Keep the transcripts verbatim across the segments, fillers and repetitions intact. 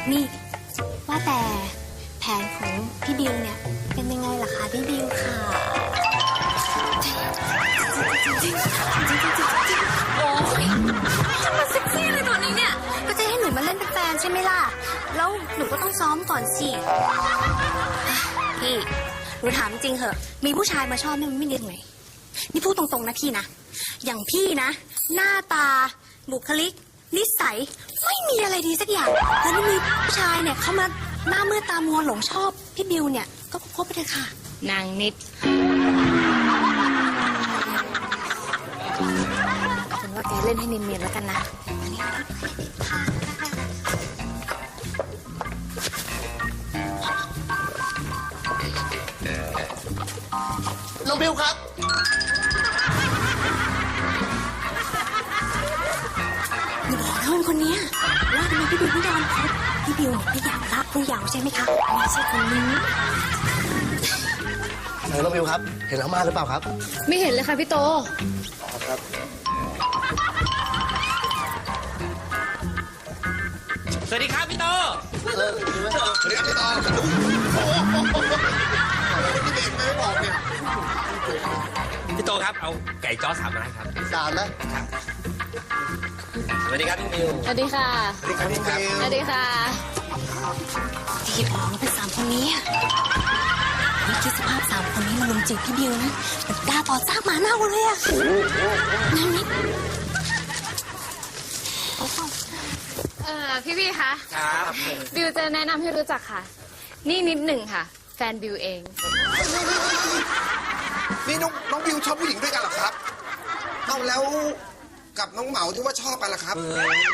นี่ว่าแต่แผนของพี่บิวเนี่ยเป็นยังไงล่ะคะพี่บิวค่ะโอ้ยจะมาเซ็กซี่เลยตอนนี้เนี่ยก็จะให้หนูมาเล่นเป็นแฟนใช่ไหมล่ะแล้วหนูก็ต้องซ้อมก่อนสิพี่หนูถามจริงเหอะมีผู้ชายมาชอบนี่มันไม่ดีตรงไหนนี่พูดตรงๆนะพี่นะอย่างพี่นะหน้าตาบุคลิกนิสัยไม่มีอะไรดีสักอย่างแล้วนี่มีผู้ชายเนี่ยเข้ามาหน้ามืดตามัวหลงชอบพี่บิวเนี่ยก็คบไปเถอะค่ะนางนิดฉันว่าแกเล่นให้เนียนๆแล้วกันนะน้องบิวครับอย่าบอกนะคนนี้ว่าทำไมพี่บิวไม่ยอมคบพี่บิวเนี่ยไม่อยากละผู้ยาวใช่ไหมคะไม่ใช่คนนี้เออน้องบิวครับเห็นอาม่าหรือเปล่าครับไม่เห็นเลยค่ะพี่โตครับสวัสดีครับพี่โตเออสวัสดีครับพี่โตโอ้โหนี่เด็กไม่บอกเนี่ยพี่โตครับเอาไก่จ้อสามไม้ครับสามนะสวัสดีครับพี่บิวสวัสดีค่ะสวัสดีครับพี่บิวสวัสดีค่ะที่ออกนี่เป็นสามคนนี้นี่คิดสภาพสามคนนี้มาลุมจีบพี่บิวนะแบบกล้าต่อซากหมาเน่าเลยอะนั่นนิดเออพี่พี่คะครับบิวจะแนะนำให้รู้จักค่ะนี่นิดหนึ่งค่ะแฟนบิวเองนี่น้องน้องบิวชอบผู้หญิงด้วยกันเหรอครับเอาแล้วกับน้องเหมาที่ว่าชอบกันล่ะครับ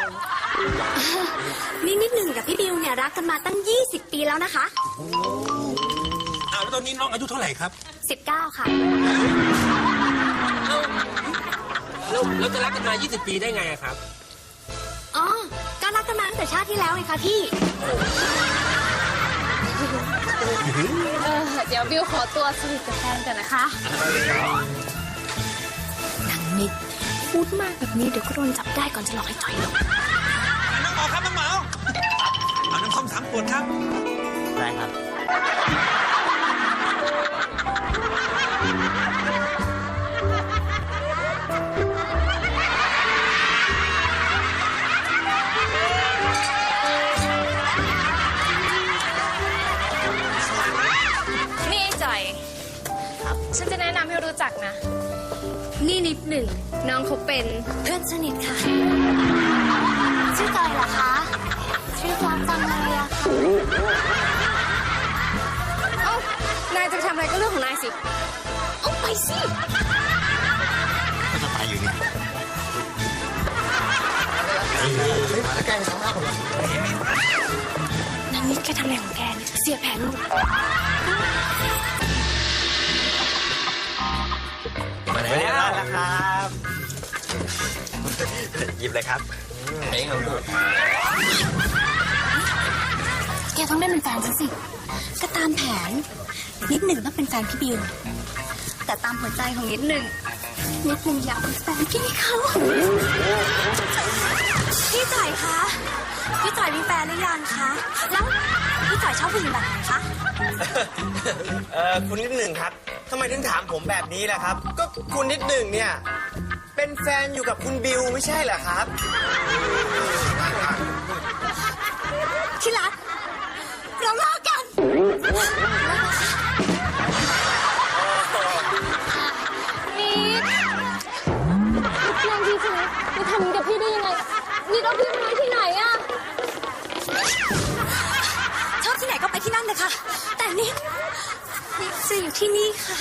นี่นิดหนึ่งกับพี่บิวเนี่ยรักกันมาตั้งยี่สิบปีแล้วนะคะอ้าวแล้วตอนนี้น้องอายุเท่าไหร่ครับสิบเก้าค่ะแล้วแล้วจะรักกันมายี่สิบปีได้ไงครับอ๋อก็รักกันมาตั้งแต่ชาติที่แล้วไงคะพี่เออเดี๋ยวบิวขอตัวสนิทกับแฟนกันนะคะนางนิดพูดมากแบบนี้เดี๋ยวก็โดนจับได้ก่อนจะหลอกให้จ่อยหรอกน้องหมอครับน้องหมอเอาน้ำส้มสามขวดครับได้ครับนี่จ่อยฉันจะแนะนำให้รู้จักนะนี่นิดหนึ่งน้องเขาเป็นเพื่อนสนิทค่ะชื่อจอยเหรอคะชื่อฟังจังเลยอะค่ะเอ้านายจะไปทำอะไรก็เรื่องของนายสิเอาไปสิก็จะไปอยู่นี่แกงทำหน้าผมเหรอนางนิดแกทำอะไรของแกเนี่ยเสียแผนหมดมาแล้วนะครับหยิบเลยครับเองของดูแกต้องได้เป็นแฟนฉันสิก็ตามแผนนิดหนึ่งต้องเป็นแฟนพี่บิวแต่ตามหัวใจของนิดหนึ่งนิดหนึ่งอยากเป็นแฟนพี่เขาพี่จ่อยคะพี่จ่อยมีแฟนหรือยังคะแล้วพี่จ่อยชอบผู้หญิงแบบไหนคะเออคุณนิดหนึ่งครับทำไมถึงถามผมแบบนี้ล่ะครับก็คุณนิดหนึ่งเนี่ยเป็นแฟนอยู่กับคุณบิวไม่ใช่เหรอครับที่รักเราเลิกกันนิดเรื่องพี่ใช่ไหมนี่ทำกับพี่ได้ยังไงนิดเอาพี่มาไว้ที่ไหนอะชอบที่ไหนก็ไปที่นั่นเลยค่ะแต่นิดนิดจะอยู่ที่นี่ค่ะ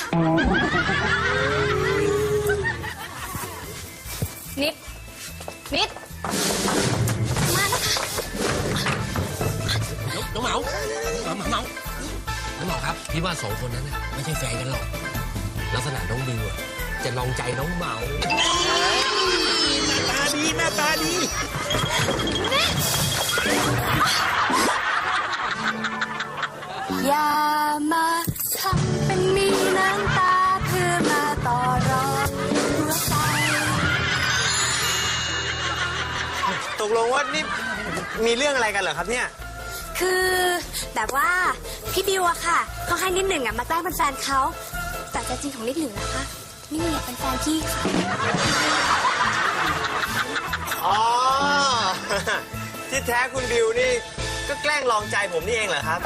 นิดนิดมาแล้วค่ะน้องเหมาน้องเหมาน้องเหมาครับพี่ว่าสองคนนั้นไม่ใช่แฟนกันหรอกลักษณะน้องบิวจะลองใจน้องเหมาหน้าตาดีหน้าตาดีอย่ามาทำเป็นมีน้ำตาเพื่อมาต่อรองหัวใจตกลงว่านี่มีเรื่องอะไรกันเหรอครับเนี่ยคือแบบว่าพี่บิวอะค่ะเขาให้นิดหนึ่งอะมาแกล้งเป็นแฟนเขาแต่ใจจริงของนิดหนึ่งนะคะนิดหนึ่งอยากเป็นแฟนพี่ค่ะอ๋อ ที่แท้คุณบิวนี่ก็แกล้งลองใจผมนี่เองเหรอครับ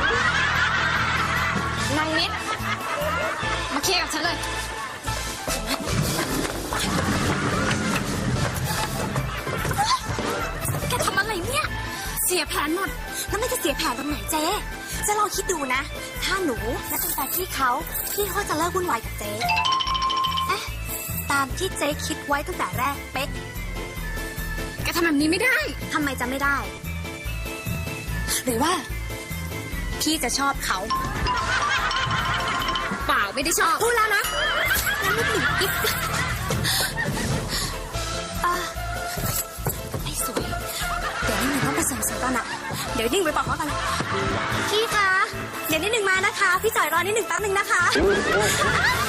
นางนิด มาเคลียร์กับฉันเลยแกทำอะไรเนี่ยเสียแผนหมดแล้วไม่จะเสียแผนตรงไหนเจ๊จะลองคิดดูนะ ถ้าหนูและเป็นแฟนพี่เขาพี่เขาจะเลิกวุ่นวายกับเจ๊เอ๊ะตามที่เจ๊คิดไว้ตั้งแต่แรกเป๊ะแกทำแบบนี้ไม่ได้ทำไมจะไม่ได้ หรือว่า พี่จะชอบเขาเปล่าไม่ได้ชอบพูดแล้วนะงั้นไม่ถึงอีกอ่ะไม่สวย เดี๋ยวนิ่งต้องไปเสริมสวยก่อนอะเดี๋ยวนิ่งไปบอกเขากันพี่คะ เดี๋ยวนิดหนึ่งมานะคะ พี่จ่อยรอนิดหนึ่งแป๊บหนึ่งนะคะ